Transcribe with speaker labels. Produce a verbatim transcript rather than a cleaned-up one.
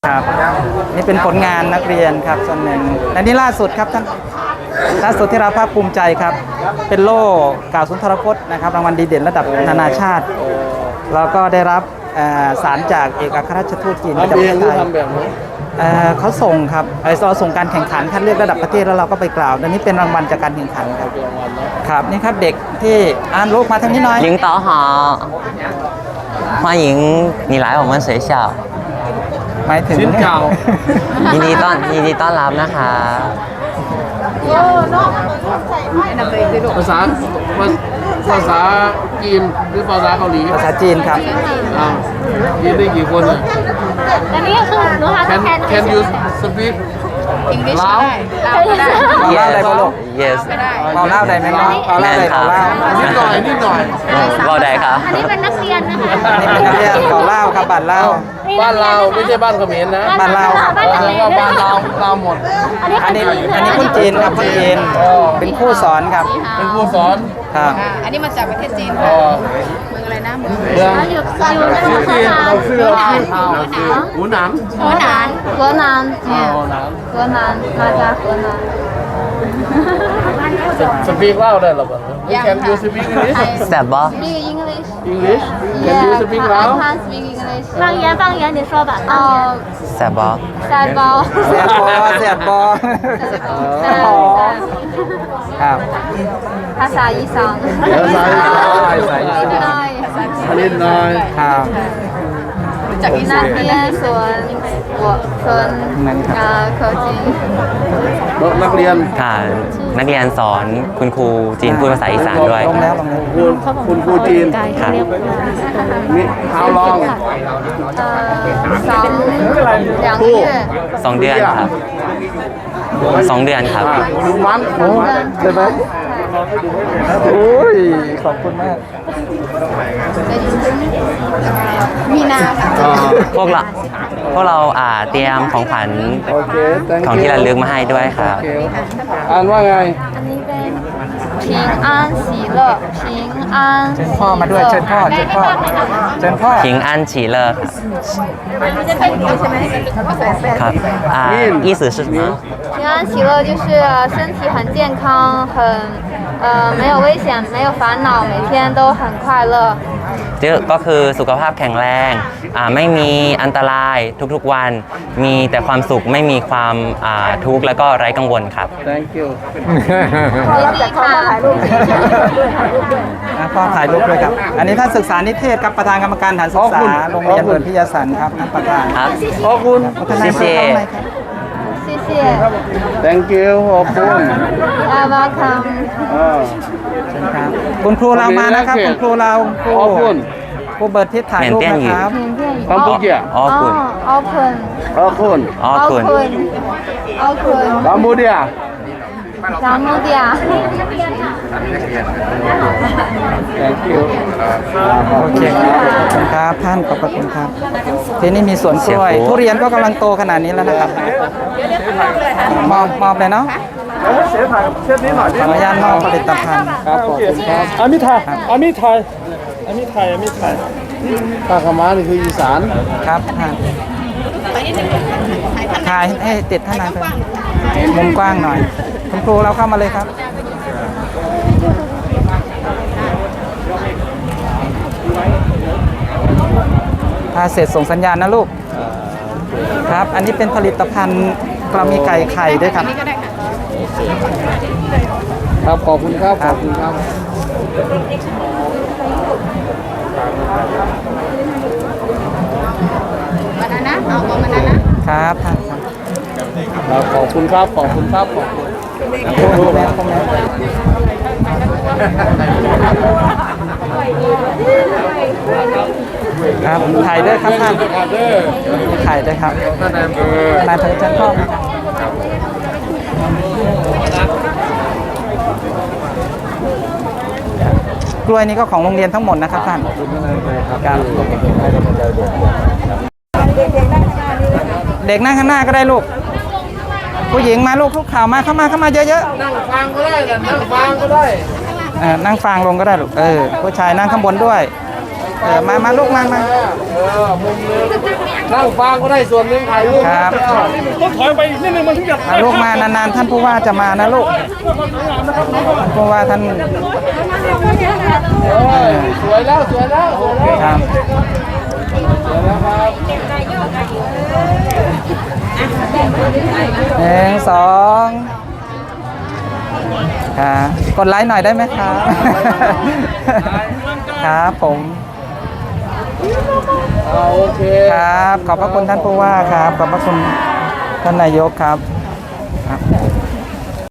Speaker 1: ครับนี่เป็นผลงานนักเรียนครับส่วนหนึ่งและนี่ล่าสุดครับท่านล่าสุดที่เราภาคภูมิใจครับเป็นโล่กล่าวสุนทรพจน์นะครับรางวัลดีเด่นระดับนานาชาติแล้วก็ได้รับสารจากเอกอัครราชทูตจีนประจำประเทศไทยเขาส่งครับเราส่งการแข่งขันคัดเลือกระดับประเทศแล้วเราก็ไปกล่าวและนี่เป็นรางวัลจากการแข่งขันครับครับนี่ครับเด็กที่อ่านลูกมาทางนี้หน่อย
Speaker 2: 领导好欢迎你来我们学校
Speaker 1: หมายถึง
Speaker 2: ยินดีต้อนยินดีต้อนรับนะคะ
Speaker 3: ภาษาภาษาจีนหรือภาษาเกาหลี
Speaker 1: ภาษาจีนครับ
Speaker 3: อ้าวจีนได้กี่คนอ่ะ
Speaker 4: อันนี้ก็คือหนูหา
Speaker 3: Can
Speaker 4: แทน
Speaker 3: Can you speak ลาว
Speaker 1: เล่าได้ปะลูก
Speaker 2: yes
Speaker 1: เราเล่าได้ไหมน้องเราเล่าได้เราเล่า
Speaker 3: นิดหน่อยนิดหน่อย
Speaker 2: ว่าได้ครับ
Speaker 4: อันนี้เป็นนักเรียนนะคะ
Speaker 1: อันนี้เป็นนักเรียนขอเล่าครับบัตรเล่า
Speaker 3: บ้านเราไม่ใช่บ้านเขมรนะ
Speaker 1: บ้านเรา
Speaker 3: แล้วก็บ้านเราเราหมด
Speaker 1: อันนี้อันนี้คนจีนครับคนจีนเป็นผู้สอนครับ
Speaker 3: เป็นผู้สอน
Speaker 1: ครับ
Speaker 5: อันนี้มาจากประเทศจีน
Speaker 3: เอ
Speaker 5: ค่ะ
Speaker 3: อ
Speaker 5: เมืองอะไรนะเมือง
Speaker 3: เรื่อง
Speaker 4: อยู่อยู่ใน
Speaker 3: ชื่อ
Speaker 4: ส
Speaker 3: จีน
Speaker 4: ถาน
Speaker 3: เราชื่อเราชื่อเขาหูหนัง
Speaker 5: หัวหนาน
Speaker 4: 河南
Speaker 3: 哦หนัง
Speaker 4: 河南มาจาก河南
Speaker 3: สปีกเล่าได้หรอบ้าง Can you speak English
Speaker 2: แซ่บบ่
Speaker 4: speak English
Speaker 3: English Can you speak
Speaker 4: I
Speaker 3: Lao
Speaker 4: can't speak English
Speaker 5: 方言方言你说吧
Speaker 4: 哦
Speaker 2: แซ่บบ่
Speaker 4: แซดบอล
Speaker 1: เสียบอเสียบอ
Speaker 4: แซด
Speaker 1: ครับ
Speaker 4: ภาษาอีสาน
Speaker 3: ภาษาอีสาน
Speaker 1: ภาษาอีสาน
Speaker 4: ได้
Speaker 3: นิดหน่อย
Speaker 1: ครับ
Speaker 4: นักเรียนสวนหัวสวนอ่าเขาจีน
Speaker 3: นักเรียน
Speaker 2: ค่ะ นักเรียนสอนคุณครูจีนพูดภาษาอีสานด้วย
Speaker 1: ลงแล้วลงแล้ว
Speaker 3: คุณคุณครูจีน
Speaker 2: ค่ะ
Speaker 3: นี่ how long
Speaker 4: เอ่อสอง两个月
Speaker 2: สองเดือนครับสองเดือนครับ
Speaker 3: หนึ่งวัน
Speaker 1: โอ้ใช่ไหมโอ้ยขอบคุณมาก
Speaker 5: มีนาค่ะ
Speaker 3: อ่า
Speaker 2: พวกเราพวกเราอ่าเตรียมของขวัญ
Speaker 3: โอเค thank
Speaker 2: ของ
Speaker 3: you
Speaker 2: ที่ระลึกมาให้ด้วยครับ
Speaker 3: โอเคอ่านว่าไง
Speaker 4: อันนี้เป็น平安喜乐平安
Speaker 1: เชิญพ่อมาด้วยเชิญพ่อเชิญพ่อเชิญพ่อ
Speaker 2: พิงอันฉีเลอร์ครับ
Speaker 5: มันจะเป็นใช่ไหม
Speaker 2: ครับอ่า意思是什么
Speaker 4: 平安喜乐就是身体很健康很呃没有危险没有烦恼每天都很快乐
Speaker 2: ก็คือสุขภาพแข็งแรงอ่าไม่มีอันตรายทุกๆวัน มีแต่ความสุขไม่มีความอ่าทุกข์แล้วก็ไร้กังวลครับ
Speaker 3: thank you
Speaker 4: ดีค่ะ
Speaker 1: อ่ะพ่อถ่ายรูปด้วยครับ อันนี้ท่านศึกษานิเทศครับประธานกรรมการฐานศึกษาโรงเรียนเบิร์นพิยาสันครับท่านประธาน
Speaker 2: ครับ
Speaker 3: ขอบคุณ
Speaker 1: พัฒนา
Speaker 2: 谢谢
Speaker 1: ข้างในครับ
Speaker 4: 谢谢
Speaker 3: thank you ขอบคุณ
Speaker 4: You're welcome
Speaker 3: อ่า
Speaker 1: เชิญครับคุณครูเรามานะครับคุณครูเราครู
Speaker 3: ขอบคุณ
Speaker 1: ครูเบิร์ดทิศถ่ายรูปนะครับ
Speaker 3: คำพูดเกี่ย
Speaker 2: อ๋อคุณ
Speaker 4: open
Speaker 3: ขอบคุณ
Speaker 2: อ๋อคุณ
Speaker 4: open open
Speaker 3: คำพูดเดีย
Speaker 4: 咱们的
Speaker 3: thank you
Speaker 1: โอเคครับขอบคุณครับท่านขอบพระคุณครับที่นี่มีสวนกล้วย
Speaker 2: เสียโค้ด
Speaker 1: ทุเรียนก็กำลังโตขนาดนี้แล้วนะครับมอบมอบเลยเนาะขออนุญาตมอบผลิตภัณฑ์ครับขอบคุณครับ
Speaker 6: อามิไทยอามิไทยอามิไทยอามิไทย
Speaker 3: ผ้าขาวม้านี่คืออีสาน
Speaker 1: ครับท่านถ่ายให้ติดท่านนายไปมุมกว้างหน่อยคุณครูเราเข้ามาเลยครับถ้าเสร็จส่งสัญญาณนะลูกครับ อันนี้เป็นผลิตภัณฑ์เรามีไก่ไข่ด้วยครับ
Speaker 3: ครับขอบคุณครับขอบคุณครับ
Speaker 5: มานานะเอาตัวมานานะครับ
Speaker 1: ท่านครับ
Speaker 3: ครับขอบคุณครับขอบคุณครับขอบคุณ
Speaker 1: ครูแม่ครูแม่ครับถ่ายด้วยครับท่านถ่ายด้วยครับนายพงษ์จันทร์พ่อกล้วยนี้ก็ของโรงเรียนทั้งหมดนะครับท่านครับเด็กนั่งข้างหน้าก็ได้ลูกผู้หญิงมาลูกทุกข่าวมาเข้ามาเข้ามาเยอะๆนั่งฟังก็ได้นั่งฟังก็ได้นั่งฟังลงก็ได้ลูกเออผู้ชายนั่งข้างบนด้วยเออมามาลูกมามา
Speaker 3: เออมุมนึงนั่งฟังก็ได้ส่วนหนึงถ่ายรูป
Speaker 1: ครับ
Speaker 6: ต้องถอยไปอีกนิดนึงมันถึงจะ
Speaker 1: มาลูกมานานๆท่านผู้ว่าจะมานะลูกท่านผู้ว่าท่าน
Speaker 3: เออสวยแล้วสวยแล้วสวยแล้ว
Speaker 1: ครับ
Speaker 3: สวยแล้วครับ
Speaker 1: หนึ่งสองครับกดไลค์หน่อยได้ไหมครับ ครับผม
Speaker 3: อ่าโอเค
Speaker 1: ครับ ขอบพระคุณท่านผู้ว่าครับ ขอบพระคุณท่านนายกครับ